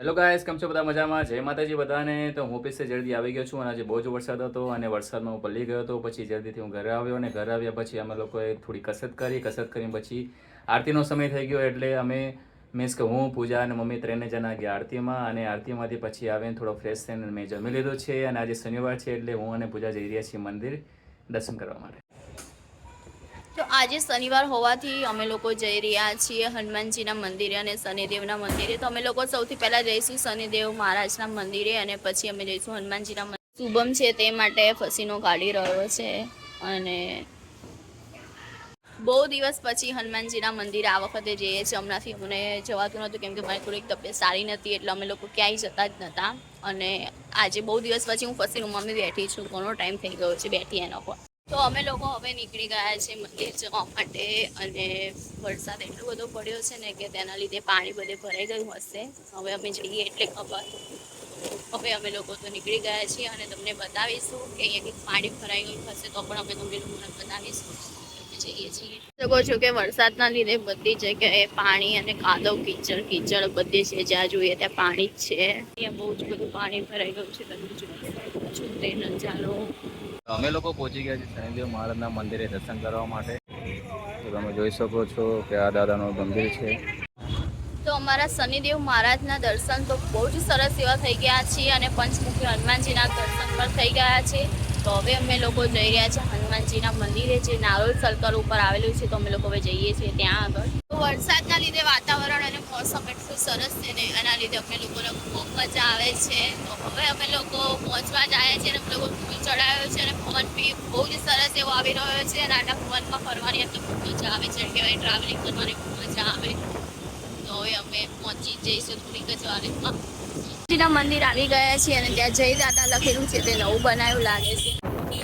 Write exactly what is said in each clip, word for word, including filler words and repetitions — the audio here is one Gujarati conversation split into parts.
હેલો ગાઈસ, કેમ છો બધા? મજામાં? જય માતાજી બધાને. તો હું ઓફિસે જલ્દી આવી ગયો છું અને આજે બહુ જ વરસાદ હતો અને વરસાદમાં હું પલળી ગયો હતો. પછી જલ્દીથી હું ઘરે આવ્યો અને ઘરે આવ્યા પછી અમે લોકોએ થોડી કસરત કરી. કસરત કરીને પછી આરતીનો સમય થઈ ગયો એટલે અમે મીન્સ કે હું, પૂજા અને મમ્મી ત્રણે જણા ગયા આરતીમાં અને આરતીમાંથી પછી આવીને થોડો ફ્રેશ થઈને મેં જમી લીધો છે અને આજે શનિવાર છે એટલે હું અને પૂજા જઈ રહ્યા છીએ મંદિર દર્શન કરવા માટે. તો આજે શનિવાર હોવાથી અમે લોકો જઈ રહ્યા છીએ હનુમાનજીના મંદિરે અને શનિદેવના મંદિરે. તો અમે લોકો સૌથી પહેલાં જઈશું શનિદેવ મહારાજના મંદિરે અને પછી અમે જઈશું હનુમાનજીના મંદિરે. શુભમ છે તે માટે ફસીનો કાઢી રહ્યો છે અને બહુ દિવસ પછી હનુમાનજીના મંદિરે આ વખતે જઈએ છીએ. હમણાંથી મને જવાતું નહોતું કેમ કે મારી થોડીક તબિયત સારી નથી એટલે અમે લોકો ક્યાંય જતા જ નહોતા. અને આજે બહુ દિવસ પછી હું ફસીનું મમ્મી બેઠી છું. ઘણો ટાઈમ થઈ ગયો છે બેઠી એનો પર. તો અમે લોકો હવે નીકળી ગયા છે મંદિર જવા માટે અને વરસાદ એટલો બધો પડ્યો છે ને કે તેના લીધે પાણી બધે ભરાઈ ગયું હશે. હવે અમે જઈએ એટલે ખબર. હવે અમે લોકો તો નીકળી ગયા છીએ અને તમને બતાવીશું કે અહીંયાથી પાણી ભરાઈ ગયું હશે તો પણ અમે તમને લોકોને બતાવીશું. જઈએ છીએ શકો છો કે વરસાદના લીધે બધી જગ્યાએ પાણી અને કાદવ કીચડ કીચડ બધી છે. જ્યાં જોઈએ ત્યાં પાણી જ છે. અહીંયા બહુ જ બધું પાણી ભરાઈ ગયું છે. તમે જોઈ તે નજારો. અમે લોકો પહોંચી ગયા છીએ શનિદેવ મહારાજના મંદિરે દર્શન કરવા માટે. તો તમે જોઈ શકો છો કે આ દાદાનું મંદિર છે. તો અમારા શનિદેવ મહારાજના દર્શન તો બહુ જ સરસ એવા થઈ ગયા છે અને પંચમુખી હનુમાનજીના દર્શન પણ થઈ ગયા છે. તો હવે અમે લોકો જઈ રહ્યા છીએ હનુમાનજીના મંદિરે જે નારોલ સર્કલ ઉપર આવેલું છે. તો અમે લોકો હવે જઈએ છીએ ત્યાં આગળ. તો વરસાદના લીધે વાતાવરણ અને મોસમ એટલું સરસ છે ને એના લીધે અમે લોકોને ખૂબ મજા આવે છે. તો હવે અમે લોકો પહોંચવા જ આવ્યા છીએ અને અમે લોકો ફૂલ ચડાવ્યો છે અને પવન બી બહુ જ સરસ એવો આવી રહ્યો છે અને આટલા પવનમાં ફરવાની એટલે ખૂબ મજા આવે છે. કહેવાય ટ્રાવેલિંગ કરવાની ખૂબ મજા આવે. તો હવે અમે પહોંચી જઈશું થોડીક જ વારમાં. મંદિર આવી ગયા છીએ અને ત્યાં જય દાદા લખેલું છે તે નવું બનાવ્યું લાગે છે.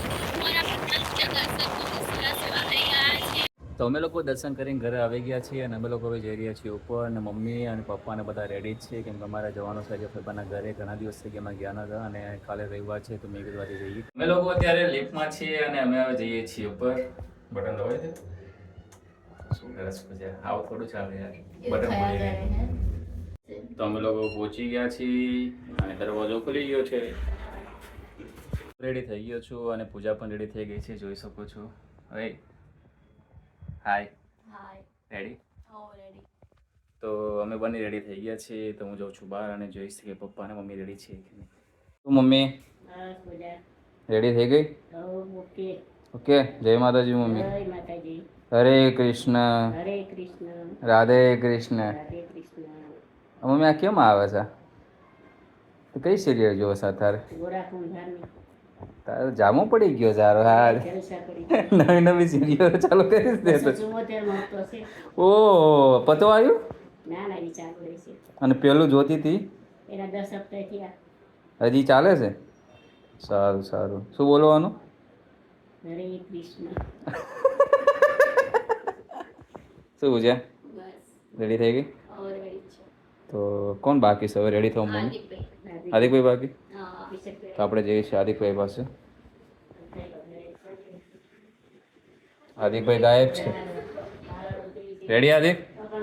તો અમે લોકો દર્શન કરીને ઘરે આવી ગયા છીએ અને અમે લોકો હવે જઈ રહ્યા છીએ ઉપર અને મમ્મી અને પપ્પા ને બધા રેડી જ છે કેમ કે અમારે જવાનું છે આજે પપ્પાના ઘરે. ઘણા દિવસ થઈ ગયા અમે ગયા નતા અને કાલે રવિવાર છે તો મેં કીધું આજે જઈએ. અમે લોકો અત્યારે લિફ્ટમાં છીએ અને અમે હવે જઈએ છીએ ઉપર. બટન દબાવી દે. શું કરે છે પછી? આવું થોડું ચાલે યાર. બટન ખોલી દે. તો અમે લોકો પહોંચી ગયા છીએ અને દરવાજો ખુલી ગયો છે. રેડી થઈ ગયો છું અને પૂજા પણ રેડી થઈ ગઈ છે. જોઈ શકો છો. હવે હાય હાય. રેડી? હો રેડી. તો અમે બંને રેડી થઈ ગયા છીએ. તો હું જાઉં છું બહાર અને જોઈશ કે પપ્પા અને મમ્મી રેડી છે કે નહીં. તું મમ્મી રેડી થઈ ગઈ? ઓકે. ઓકે. જય માતાજી મમ્મી. જય માતાજી. હરે કૃષ્ણ. હરે કૃષ્ણ. રાધે કૃષ્ણ. રાધે કૃષ્ણ. મમ્મી આ કેમ આવે છે? તો કઈ સિરિયલ જોવો છે તારે? ગોરા કુંભારની. તારે જામો પડી ગયો સારો. હા, નવી નવી સિરિયલ ચાલુ કરી દે તો. ઓહ, પતો આવ્યું? ના ના, એ ચાલુ રહેશે. અને પેલું જોતી હતી એના દસ સપ્તાહ થયા. હજી ચાલે છે? સારું સારું. શું બોલવાનું? હરે કૃષ્ણ. શું પૂછે? બસ રેડી થઈ ગઈ? રેડી છે. તો કોણ બાકી છે હવે રેડી થવા? મમ્મી? હાર્દિકભાઈ બાકી? તો આપણે જઈએ છીએ હાર્દિકભાઈ પાસે. હાર્દિકભાઈ ગાયબ છે. રેડી હાર્દિક?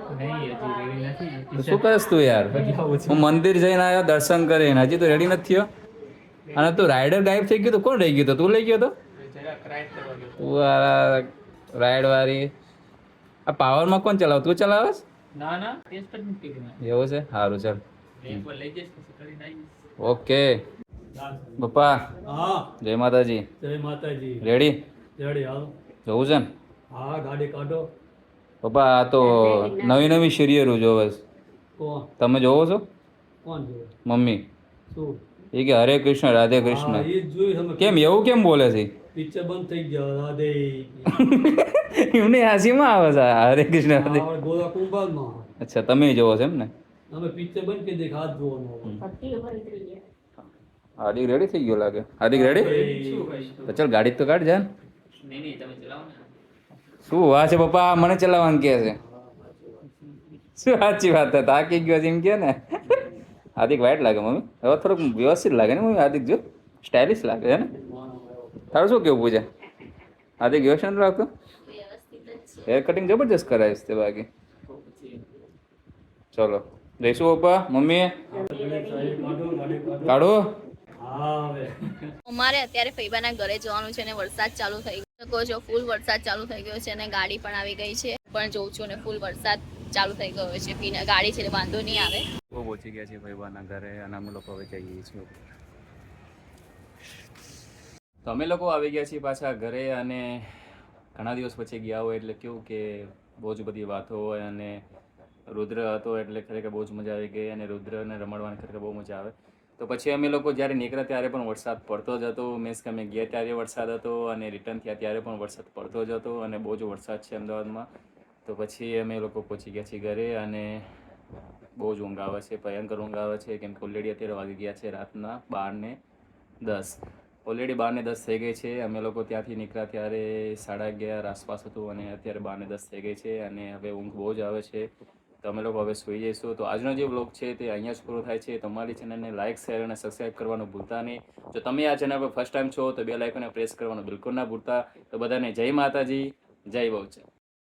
શું કરસ તું યાર? હું મંદિર જઈને આવ્યો દર્શન કરીને, હજી તો રેડી નથી થયો. અને તું રાઈડર ગાયબ થઈ ગયો તો કોણ રહી ગયો તો? તું લઈ ગયો તો? તું રાઈડ વાળી આ પાવરમાં કોણ ચલાવ? તું ચલાવસ? ના ના, એવું છે? સારું ચાલ. ઓકે પપ્પા. હા. જય માતાજી. જય માતાજી. રેડી? રેડી હાલ. જવું છે ને? હા, ગાડી કાઢો. પપ્પા આ તો નવી નવી સિરિયલો જોવે છે. કોણ? તમે જોવો છો? કોણ જોવે? મમ્મી. શું? એ કે હરે કૃષ્ણ રાધે હા, કૃષ્ણ. એ જ જોઈ અમે. કેમ એવું કેમ બોલે છે? પિક્ચર બંધ થઈ ગયા. રાધે. એમને હાસીમાં આવે છે હરે કૃષ્ણ રાધે. હા, ગોરા કુંભારમાં. અચ્છા, તમે જોવો છો એમ ને? અમે પિક્ચર બંધ કરી દે હાથ જોવાનો. હાર્દિક રેડી થઈ ગયો લાગે. હાર્દિક રેડી? તો ચાલ ગાડી તો કાઢ જા. શું વાત છે પપ્પા? મને ચલાવવાનું કે છે? શું સાચી વાત છે? થાકી ગયો છે એમ કે ને? હાર્દિક વાઈટ લાગે મમ્મી. હવે થોડુંક વ્યવસ્થિત લાગે ને મમ્મી? હાર્દિક જો સ્ટાઇલિશ લાગે છે ને? તારું શું કેવું પૂછે? હાર્દિક વ્યવસ્થિત લાગતું? હેર કટિંગ જબરજસ્ત કરાવીશ તે બાકી. ચલો જઈશું પપ્પા મમ્મી ગણેશ સાહેબ કાઢો ગાડી કાઢો કાઢો હા હવે અમારે અત્યારે ફઈબાના ઘરે જવાનું છે અને વરસાદ ચાલુ થઈ ગયો કહો છો ફૂલ વરસાદ ચાલુ થઈ ગયો છે અને ગાડી પણ આવી ગઈ છે પણ જોઉં છું અને ફૂલ વરસાદ ચાલુ થઈ ગયો છે પીના ગાડી છે એટલે વાંધો નહીં આવે બહુ પહોંચી ગયા છીએ ભાઈબાના ઘરે અને અમે લોકો હવે જઈએ છીએ તો અમે લોકો આવી ગયા છીએ પાછા ઘરે અને ઘણા દિવસ પછી ગયા હોય એટલે કેવું કે બહુ જ બધી વાતો હોય અને રુદ્ર હતો એટલે ખરેખર બહુ જ મજા આવી ગઈ અને રુદ્રને રમાડવાની ખરેખર બહુ મજા આવે તો પછી અમે લોકો જ્યારે નીકળ્યા ત્યારે પણ વરસાદ પડતો જ હતો મીન્સ કે અમે ગયા ત્યારે વરસાદ હતો અને રિટર્ન થયા ત્યારે પણ વરસાદ પડતો જ હતો અને બહુ જ વરસાદ છે અમદાવાદમાં તો પછી અમે લોકો પહોંચી ગયા છીએ ઘરે અને બહુ જ ઊંઘ આવે છે ભયંકર ઊંઘ આવે છે કેમ કે ઓલરેડી અત્યારે વાગી ગયા છે રાતના બાર ને દસ ઓલરેડી બાર ને દસ થઈ ગઈ છે અમે લોકો ત્યાંથી નીકળ્યા ત્યારે સાડા અગિયાર આસપાસ હતું અને અત્યારે બાર ને દસ થઈ ગઈ છે અને હવે ઊંઘ બહુ જ આવે છે તો અમે લોકો હવે સૂઈ જઈશું તો આજનો જે વ્લોગ છે તે અહીંયા જ પૂરો થાય છે તમારી ચેનલને લાઇક શેર અને સબસ્ક્રાઈબ કરવાનું ભૂલતા નહીં જો તમે આ ચેનલ પર ફર્સ્ટ ટાઈમ છો તો બે લાઇકોને પ્રેસ કરવાનું બિલકુલ ના ભૂલતા તો બધાને જય માતાજી જય બહુચર